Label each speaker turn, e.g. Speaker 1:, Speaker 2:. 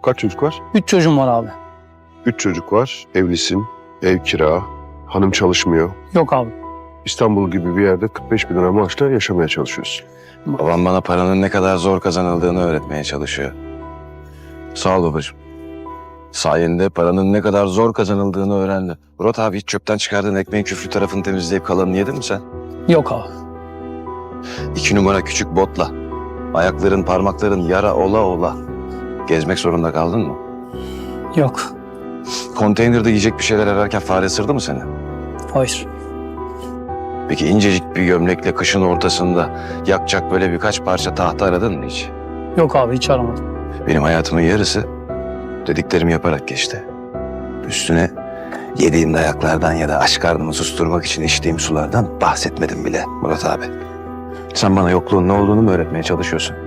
Speaker 1: Kaç çocuk var?
Speaker 2: 3 çocuğum var abi.
Speaker 1: 3 çocuk var. Evlisin. Ev kira. Hanım çalışmıyor.
Speaker 2: Yok abi.
Speaker 1: İstanbul gibi bir yerde 45 bin lira maaşla yaşamaya çalışıyorsun.
Speaker 3: Babam bana paranın ne kadar zor kazanıldığını öğretmeye çalışıyor. Sağ ol babacığım. Sayende paranın ne kadar zor kazanıldığını öğrendim. Murat abi, hiç çöpten çıkardığın ekmeğin küflü tarafını temizleyip kalanını yedin mi sen?
Speaker 2: Yok abi.
Speaker 3: 2 numara küçük botla. Ayakların, parmakların yara ola ola. Gezmek zorunda kaldın mı?
Speaker 2: Yok.
Speaker 3: Konteynerde yiyecek bir şeyler ararken fare ısırdı mı seni?
Speaker 2: Hayır.
Speaker 3: Peki incecik bir gömlekle kışın ortasında yakacak böyle birkaç parça tahta aradın mı hiç?
Speaker 2: Yok abi, hiç aramadım.
Speaker 3: Benim hayatımın yarısı dediklerimi yaparak geçti. Üstüne yediğim dayaklardan ya da aç karnımı susturmak için içtiğim sulardan bahsetmedim bile Murat abi. Sen bana yokluğun ne olduğunu mu öğretmeye çalışıyorsun?